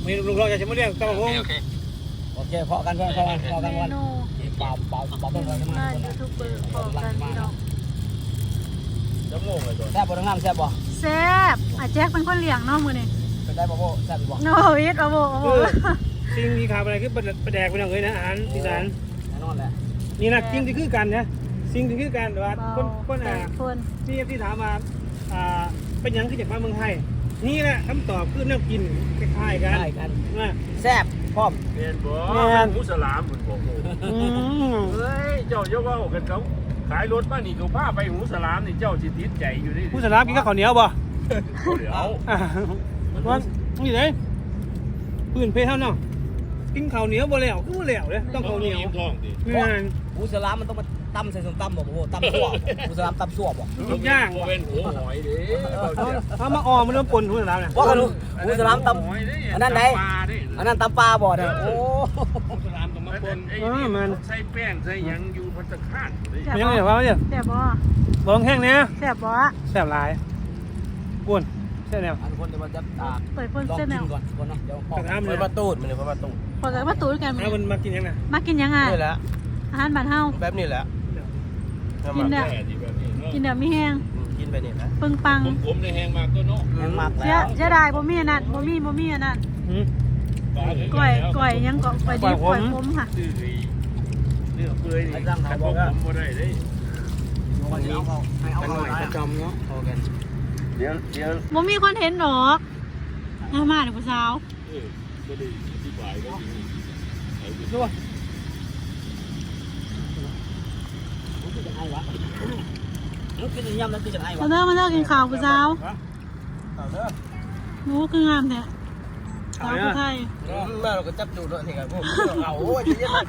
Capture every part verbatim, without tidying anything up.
มีลุงเราจะชิมเรื่องกระเพาะโอเคโอเคพอกันพอกันพอกันวันเปล่าเปล่าเปล่าต้นอะไรกันมายูทูบเบอร์พอกันพี่น้องจะงงเลยตัวแซ่บบ่ทั้งน้ำแซ่บบ่แซ่บอาแจ็คเป็นคนเลี้ยงเนาะมื้อนี้เป็นได้บ่โบแซ่บบ่โนวิทบ่โบบ่สิ่งที่ขาดอะไรคือประแดกไปหน่อยนะอาหารอีสานแน่นอนแหละนี่นะสิ่งที่คือกันนะสิ่งที่คือกันว่าคนคนอ่ะนี่ที่ถามมาอ่าเป็นยังคือจากมาเมืองไทยนี่แหละคำตอบคือน้ำกินคล้ายๆกันนะแซ่บพร้อมเรียนบ่หมูสลามเหมือนผมเฮ้ยเจ้าเยาว่ากันเขาขายรถมานี่เขาพาไปหมูสลามนี่เจ้าจิตติดใจอยู่นี่หมูสลามกินกับข้าวเหนียวบ่เดี๋ยวว่านี่เลยปืนเพเท่าเนาะกินข้าวเหนียวบ่แล้วคือบ่แล้วเลยต้องข้าวเหนียวหมูสลามมันต้องมาตำใส่ส้มตำบ่โบตำซั่วหมูสลามตำซั่วบ่ทุกอย่างเป็นหัวหอยดิถ้ามาออมมันเริ่มปนหมูสลามเนี่ยว่ากันดูหมูสลามตำอันนั้นไหนอันนั้นตำปลาบ่เนี่ยโอ้หมูสลามต้องมาปนมันใส่แป้งใส่ยังอยู่พัตตาคารมันยังไงวะเนี่ยแซ่บบ่บ่แห้งเนี่ยแซ่บบ่แซ่บหลายก้วนแซ่บแนวอันคนจะมาจับตาเปิดเพิ่นเส้นแนวก่อนก่อนเนาะเดี๋ยวพ่อเปิดประตูมันเลยเปิดประตูเปิดประตูด้วยกันมันมากินยังไงมากินยังไงนี่แหละอาหารบ้านเฮาแบบนี้แหละกินเนี่ยกินเดี๋ยวมีแห้งกินไปนี่นะปึ้งปังผมในแห้งมากตัวเนาะแห้งมากแล้วเสียเสียดายบ่มีอันนั้นบ่มีบ่มีอันนั้นก้อยก้อยยังก้อยดิบก้อยผมค่ะเนื้อเปื่อยนี่แต่ผมบ่ได้เด้วันนี้เอาให้เอาหน่อยประจำเนาะพอกันเดี๋ยวเดี๋ยวบ่มีคนเห็นดอกมามาเด้อผู้สาวเออบ่ได้อธิบายก็ดีดูกินยำแล้วกินไอ้วะมาเด้อมาเด้อกินข้าวผู้สาวหนูคืองามแท้สาวผู้ไทยมาเราก็จับดูด้วยนี่ครับพวกเราโอ้ยจะยัง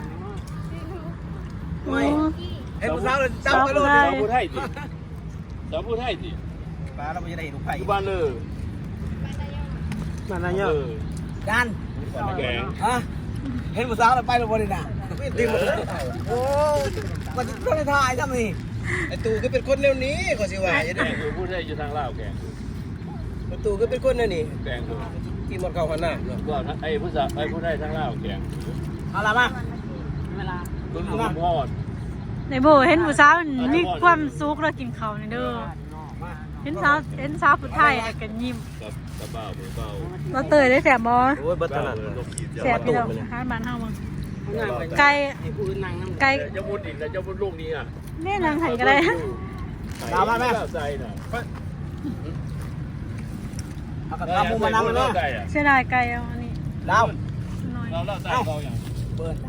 ไม่ไอ้ผู้สาวเลยจับไปเลยสาวผู้ไทยดิสาวผู้ไทยดิบ้านเราไม่ได้ลูกไผ่บ้านเลยบ้านอะไรเยอะกันแกงฮะเห็นผู้สาวเราไปเราบริณาตีหมดเลยโอ้มันจะต้องถ่ายทำนี่ไอ้ตู่ก็เป็นคนเร็วนี้ก็สิว่าอย่างนี้ผู้ไทยอยู่ทางลาวแกงไอ้ตู่ก็เป็นคนนั่นนี่แกงกินหมดเก่าหันหน้าก็ไอ้ผู้สาวไอ้ผู้ไทยทางลาวแกงเอาละมาเวลาคุณลุงพอดในโบเห็นผู้สาวมีความสุขแล้วกินข้าวนี่เด้อเห็นสาวเห็นสาวผู้ไทยกันยิ้มกระเป๋าเบาเราเตยได้แสบบ่โอ้ยบัตรนั้นแสบพี่น้องอาหารบ้านเฮามึงไก่ไก่จะมุดอีกแล้วจะมุดลูกนี้อ่ะแม่นางไห้ก็ได้ตามมาแม่ใส่น่ะเอากระทำมุมมานั่งเลยเสียดายไก่เอาอันนี้เราเราเราใส่เราอย่างเบิร์น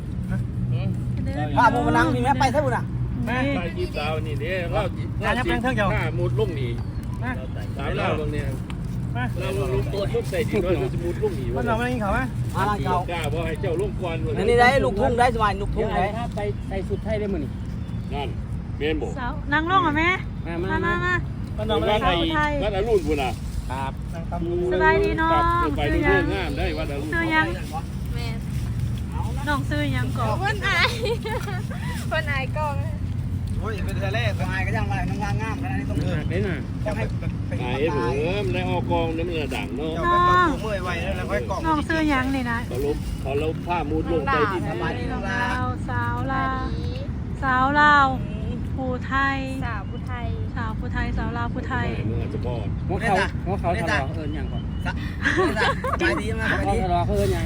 ข้ามุมมานั่งนี่แม่ไปใช่บุญอ่ะแม่ไปจีบสาวนี่เนี่ยเราเราจีบข้ามุดลูกนี้สาวเราตรงนี้เราลูกตัวลูกใส่จีบเราจะมุดลูกนี้มันเราไม่กินเขาไหมมาเก่ากล้าเพราะให้เจ้าลูกควันนี่ได้ลูกทุ่งได้สบายลูกทุ่งได้ถ้าไปใส่สุดไทยได้มั้ยนี่นั่นเมนบอกนางร้องอ่ะแม่มามามาบ้านเราบ้านไทยบ้านอรุณบุญอ่ะครับสบายดีน้องไปดูเรื่องงามได้บ้านอรุณซื้อยังแม่น้องซื้อยังก่อนเพื่อนไอเพื่อนไอกล้องโอ้ยเป็นทะเลสบายก็ยังมาน้ำงามงามขนาดนี้ต้องเออได้น่ะต้องให้ไอ้เผือมได้ออกกองน้ำเลือดดังเนาะน้องเมื่อยไวแล้วค่อยกล่องน้องซื้อยังนี่นะเขาลบเขาลบผ้ามูดลงใต้ดินสบายดีน้องลาวสาวลาวสาวลาวผู้ไทยสาวผู้ไทยสาวผู้ไทยสาวลาวผู้ไทยเมื่อจะบอดหัวเขาหัวเขาทะเลาะเอิญยังก่อนสบายดีมากสบายดีทะเลาะเอิญยัง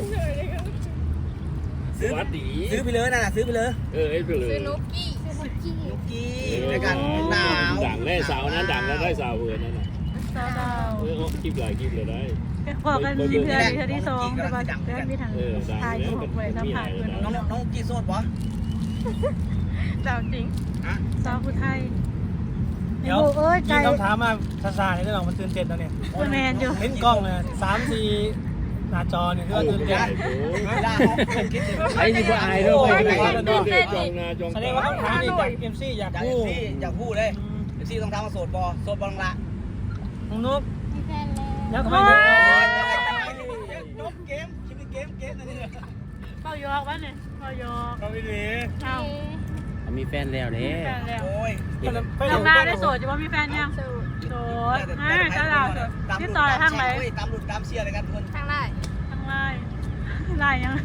ซื้อซื้อไปเลยนะซื้อไปเลยเออไอ้ไปเลยซื้อนุกกี้นุกกี้ในการหนาวดังได้สาวนั้นดังแล้วได้สาวเพื่อนนั่นน่ะสาวลาวเออคลิปหลายคลิปเลยได้พอกันมีเพื่อนเพื่อนที่สองแต่ว่าเพื่อนมีทางทายของเวยสัมผัสเพื่อนน้องน้องกี้โซดปะสาวจริงสาวผู้ไทยเดี๋ยวยิงคำถามมาซาๆในเรื่องมันตื่นเต้นแล้วเนี่ยแมนอยู่เห็นกล้องเลยสามสี่หน้าจอเนี่ยก็ตื่นเต้นไอ้นี่ก็อายด้วยแสดงว่าคำถามนี่จากเอ็มซีอยากพูดอยากพูดเลยเอ็มซีต้องทำมาโสดบอโสดบอลละน้องนุ๊กแล้วทำไมนกเกมคิดเป็นเกมเกมนั่นเองเป่ายอกวะเนี่ยเป่ายอกเป่าอีหลีเอามมีแฟนแล้วเด้มีแฟนแล้วโอ้ยน้องดาวได้โสดจะว่ามีแฟนยังสูโสดอ่าจ้าดาวโสดที่ต่อยทางไหนตามรุ่นตามเชียร์เลยกันทุกคนทางได้ทางไล่ไล่ยัง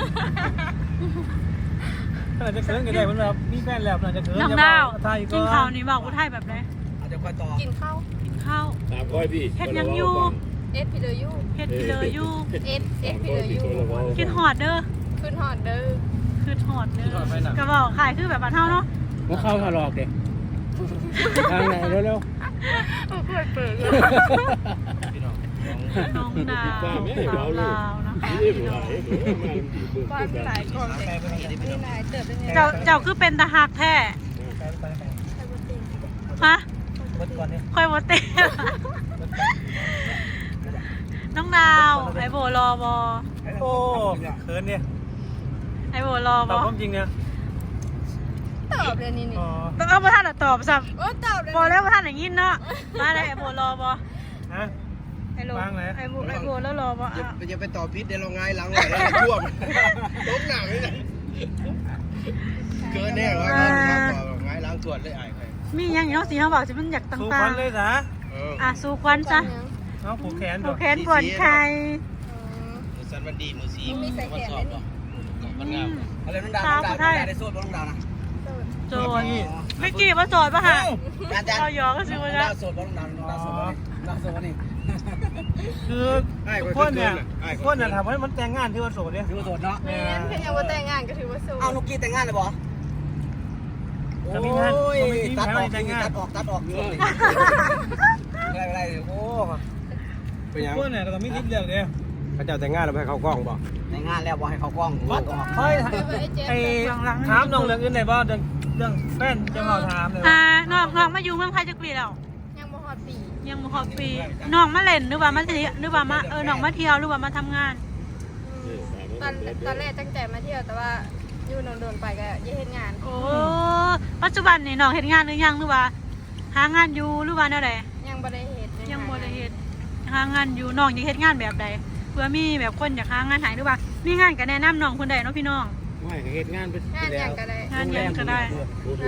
ขนาดจะเขินกันได้มันแบบมีแฟนแล้วขนาดจะเขินน้องดาวไทยกินข้าวนี่บอกกูไทยแบบไหนอาจจะคอยต่อกินข้าวกินข้าวตามค่อยพี่เฮ็ดยังอยู่เอสพีเดอร์ยูเฮ็ดกิเลยอยู่เอสเอสพีเดอร์ยูกินหอดเด้อขึ้นหอดเด้อคือหอดเด้อกระบอกขายคือแบบบ้านเฮาเนาะมาเข้าทะลอกเด็กทางไหนเร็วโอ้โหเปิดเลยน้องดาวสาวลาวนะคะนี่หลายเด้อมาดีเบิ่งบ้านมีหลายกล้องเลยมีหลายเติบเป็นไงเจ้าเจ้าคือเป็นตาหักแท้ฮะเบิดก่อนเนี่ยค่อยบ่เต้น้องดาวไอโบรอบอโอ้เขินเนี่ยไอโบรอตบอบอความจริงเนี่ยตอบเลยนี่นี่อ๋อต้องเอาประธานตอบซ้โอ้ตอบเลยำบอแล้วประธานอย่างงี้เนาะมาเลยไอโบรอบอฮะไอโลวางไหนไอโบไอโบแล้วรอบออย่าอย่าไปต่อพิษเดี๋ยวเราง่ายหลังเลยแล้วท่วมตกหนักเลยเกินแน่ว่าง่ายหลังตรวจเลยไอ้ใครมีอย่างนี้เนาะสีเขาบอกจะมันอยากต่สู้าควังนเลยนะๆอ่ะสู้ควันซะน้องผูกแขนผูดูกแขนปวดใครมือสันวันดีมือสีมีใส่แขนสเลอย บนี่มันงามอะไรน้องดาวน้องดาวได้โซ่น้องดาวนะโจรไม่กี่ว่าโจรป่ะฮะอาจารย์เราหยอกก็ซื้อมาน้องแล้ดาว วโซ่น้องดาวน้องดาวโซ่น้องดาวโซ่นี่คือคนเนี่ยคนเนี่ยถามว่ามันแต่งงานที่ว่าโสดเนี่ยถือว่าโสดเนาะแม่นแค่ยังว่าแต่งงานก็ถือว่าสูงเอานุกกี้แต่งงานเลยบ่โอ้ยตัดออกตัดออกตัดออกอะไรอะไรโอ้เป็นยังคนเนี่ยก็ต้องมีทิศเลือกเนี่ยพระเจ้าแต่งงานแล้วให้เขากล้องบ่แต่งงานแล้วบ่ให้เขากล้องตัดออกเฮ้ยไอ้ถามน้องเรื่องอื่นได้บ่เรื่องเรื่องแฟนจะมาถามเลยอ่าน้องน้องมาอยู่เมืองไทยจักปีแล้วยังบ่ฮอดปียังบ่ครบปีน้องมาเล่นหรือว่ามาเที่ยวหรือว่ามาเออน้องมาเที่ยวหรือว่ามาทำงานตอนตอนแรกตั้งใจมาเที่ยวแต่ว่าอยู่โดนๆไปก็ยังเฮ็ดงานโอ้ปัจจุบันนี่น้องเฮ็ดงานหรือยังหรือว่า หางานอยู่หรือว่าแนวใดยังบ่ได้เฮ็ดยังบ่ได้เฮ็ดหางานอยู่น้องอยากเฮ็ดงานแบบใดเพื่อมีแบบคนอยากหางานให้หรือว่ามีงานก็แนะนำน้องเพิ่นได้เนาะพี่น้องไม่เหตุงานเป็นงานยังก็ได้งานหยังก็ได้นะ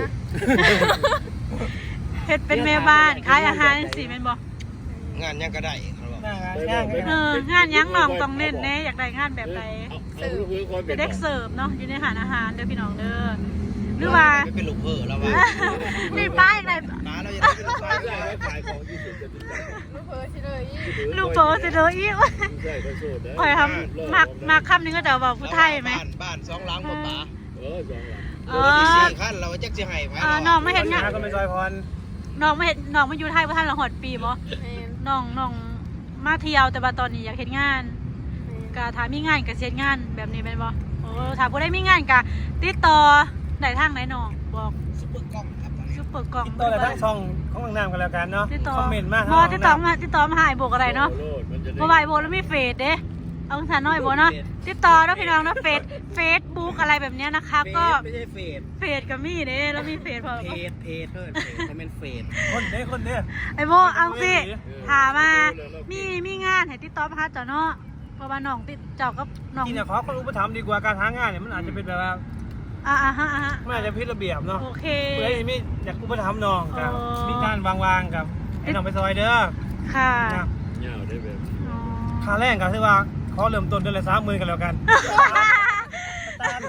เฮ็ดเป็นแม่บ้านขายอาหารจังซี่แม่นบ่งานยังก็ได้งานงานเอองานหยังน้องต้องเน้นแน่อยากได้งานแบบใดเป็นเด็กเสิร์ฟเนาะอยู่ในอาหารอาหารเด้อพี่น้องเด้อหรือว่าเป็นลูกเพ้อแล้วว่านี่ป้าอย่างไรน้าเราจะได้เป็นลูกเพ้อขายของที่สุดจะเป็นลูกเพิ่นสิเลยลูกโตสิเด้ออีกใช่ก็โสดนะข่อยทำมักมักคำนึงก็จะบอกผู้ไทยไหมบ้านบ้านสองหลังบ่ป๋าเออสองหลังเอรถที่อสี่คันเราจักสิให้ไว้เออน้องไม่เห็นงานก็ไม่ซอยพรน้องไม่เห็นน้องมาอยู่ไทยบ่ทันละหอดปีบ่แม่นน้องน้องมาเที่ยวแต่ว่าตอนนี้อยากเฮ็ดงานก็ถ้ามีงานก็เฮ็ดงานแบบนี้แม่นบ่โอ้ถ้าบ่ได้มีงานก็ติดต่อได้ทางไหนน้องบอกซุปเปอร์กล้องครับซุปเปอร์กล่องตัวอะไรทั้งช่องของนางกันแล้วกันเนาะติดต่อคอมเมนต์มากบ่ติดต่อมาติดต่อมาหาไอ้โบกอะไรเนาะ เพราะว่าไอโบแล้วมีเฟซเด้เอาสารน้อยโบเนาะติดต่อแล้วพี่น้องเนาะเฟซเฟซบุ๊กอะไรแบบเนี้ยนะคะก็ไม่ใช่เฟดเฟซกับมี่เด้แล้วมีเฟซพอเพจเพจเพิ่นเขาเป็นเฟดคนเด้คนเด้ไอโบเอาสิถามมามีมีงานให้ติดต่อมาหาเจ้าเนาะเพราะว่าน้องติดเจ้ากับน้องที่เนี่ยขอคนอุปถัมภ์ดีกว่าการหางานเนี่ยมันอาจจะเป็นแบบว่าอ่าอ่าฮะอ่าฮะมันอาจจะผิดระเบียบเนาะโอเคเพื่อให้มีอยากอุปถัมภ์น้องกับอ๋อมีการวางวางกับให้น้องไปซอยเด้อค่ะนะเงาได้แบบอ๋อค่าแรงก็คือว่าขอเริ่มต้นเดือนละสามหมื่นกันแล้วกันตา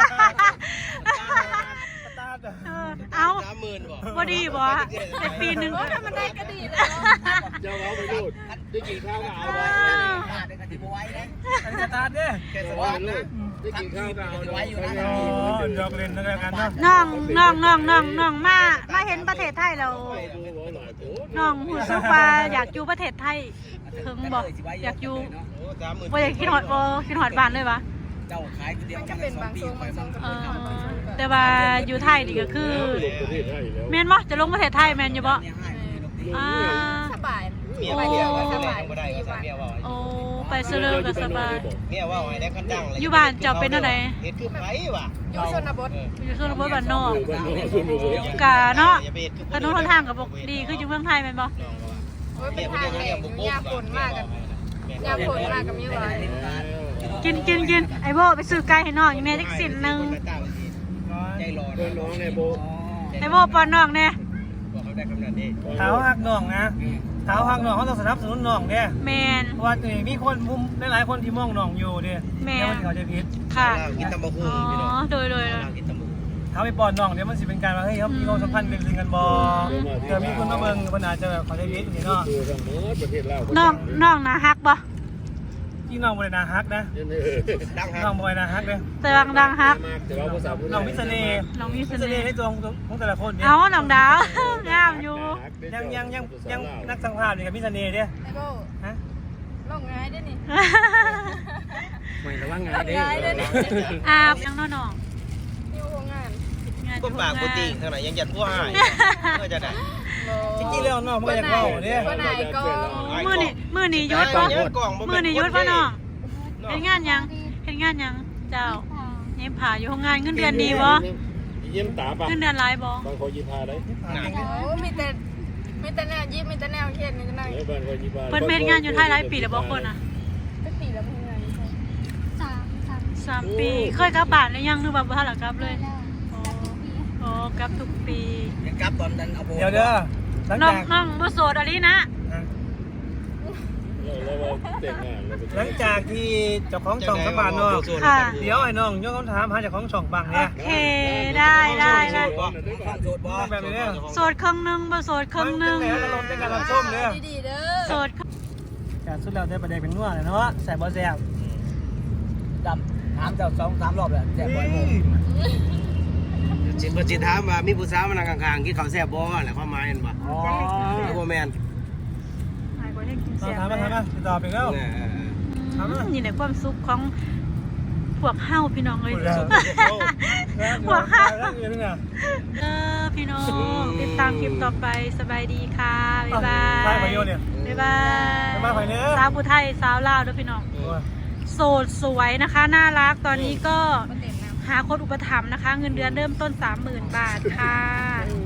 ตาเออเอาสามหมื่นบ่บ่ดีบ่ในปีหนึงโอ้ถ้ามันได้ก็ดีแล้วเจ้าเอาไปรูดได้กินข้าวก็เอาไว้เด็กกะทิบ่ไหวนะอันนี้สตาร์ทเด้อแค่สเอาว่าไว้นะได้กินข้าวก็เอาไว้อยู่นะอ๋อดอกเล่นนั่นแล้วกันเนาะน้องน้องน้องน้องน้องมามาเห็นประเทศไทยแล้ว น้องหูซึกว่าอยากอยู่ประเทศไทยถึงบอกอยากอยู่โอ้สามหมื่นว่าอยากคิดหอดบ่คิดหอดบ้านเลยปะเจ้าขายเดียวมันก็เป็นบางช่วงบางช่วงก็เอเป็นอบางช่วงก็แต่ว่าอยู่ไทยนี่ก็คือลงประเทศไทยแล้วแม่นบ่จะลงประเทศไทยแม่นอยู่บ่อ่าสบายเมียไม่เดียวสบายบ่ได้ก็ใส่เมียว่าโอ้ไปเสลอก็สบายเมียว่าให้ได้คันดังเลยอยู่บ้านเจ้าเป็นจังไดเฮ็ดคือไผว่ะอยู่ชนบทอยู่ชนบทบ้านนอกอยู่บ้านนอกชนบทกะเนาะถนนหนทางก็บ่ดีคืออยู่เมืองไทยแม่นบ่โอ้ยเป็นทางแหลกยาฝนมากกันยาฝนมากกับมีหวานกินกินกินไอ้โบไปซื้อไก่ให้น้องอีแม่จักสินหนึงร้อยใจร้อนเพื่อนน้องเนี่ยโบไอ้โบปอนน้องเนี่ยบอกเขาได้คำนั้นนี่เท้าหักน้องนะเท้าหักน้องเขาต้องสนับสนุนน้องเนี่ยแมนเพราะว่ามีคนมุมหลายๆคนที่มองน้องอยู่เนี่ยแม่เดี๋ยวมันเขาจะผิดค่ะกินตำบักหุ่อ๋งพี่น้องอโดยโดยโดยกินตำบักหุ่งเท้าไปปอนน้องเดี๋ยวมันสิเป็นการว่าเฮ้ยเขามีความสัมพันธ์ลึกๆกันบ่เกิดมีคนมาเบิ่งมันอาจจะแบบเขาจะผิดอย่างนี้เนาะคือทั้งหมดประเทศลาวน้องน้องนะฮักบ่ที่น้องบริณาฮักนะดังฮะน้องบริณาฮักเลยแต่ดังดังฮักแต่ว่าภาษาน้องมิสเน่ห์น้องมีเสมิสน่เน่ห์ห์ในตัวของแต่ละคนเนี่ยเอาน้องดาว งามอยู่ยังยังยังยังนักสังภาษณ์เนี่ยกับมิสเน่ห์เนี่ยไอ้โบฮะลงง่ายด้วยนี่ไม่ระวังไงลงง่ายด้วยนี่อาบยังน้องน้องนิวโรงงานงานพวกปากปกติข้างในยังยันพวกหายเพื่อจะได้จริงๆแล้วน้องมันก็อยากเล่าเนี่ยวันไหนก็มือนี่มือนี่ยุดปะมือนี่ยุดปะน้องเห็นงานยังเห็นงานยังเจ้าเย็บผ่าอยู่ห้องงานเงินเดือนดีบ่เยี่ยมตาปะเงินเดือนหลายบ่บางคนยิพาได้โอ้มีแต่มีแต่แนวยิ้มมีแต่แนวเขียนมีแต่แนวเออบางคนยิพาเพิ่นเฮ็ดงานอยู่ไทยหลายปีแล้วบ่คนน่ะก็ปีแล้วมึงไงสามสามสามปีเคยกลับบ้านหรือยังหรือว่าบ่ทันละกลับเลยอ๋ออ๋อกลับทุกปียังกลับตอนนั้นเอาโบเดี๋ยวเด้อหลังน้องจากน้องบ่โสดอะลีนะแล้วว่าแต่งงานแล้วหลังจากที่เจ้าของช่องสัมภาษณ์น้องเดี๋ยวไอ้น้องยกคำถามหาเจ้าของช่องบังโอเนี่ยเคได้ได้ได้ข้างโจทย์บอแบบนี้เนี่ยโสดครึ่งหนึงบ่โสดครึ่งหนึงมันจะลงในการรับส้มเด้อดีๆเด้อโสดแต่สุดแล้วได้ประเด็นเป็นนัวเลยเนาะแสบบ่แสบดำถามเจ้าสองสามรอบแล้วแซ่บบ่อยโมงจิตบ่จิตถามว่ามีผู้สาวมานั่งข้างๆกินข้าวแซ่บบ่แหละความหมายนั่นบ่อ๋อหรือบ่แม่นหายบ่ได้กินถาแซ่มบถามมาถามมาติดต่อไปแล้วเออถามมานี่แหละความสุขของพวกเฮาพี่น้องเอ้ยหัวข้าวแล้วอยู่นี่นะเออพี่น้องติดตามคลิปต่อไปสบายดีค่ะ บ๊ายบาไปยไปโยนเนี่ยบ๊ายบายบ๊ายบายไปเด้อสาวผู้ไทยสาวลาวด้วยพี่น้อง โสดสวยนะคะ น่ารักตอนนี้ก็มาเต็มน้ำหาคนอุปถัมภ์นะคะ เงินเดือนเริ่มต้น สามหมื่น บาทค่ะ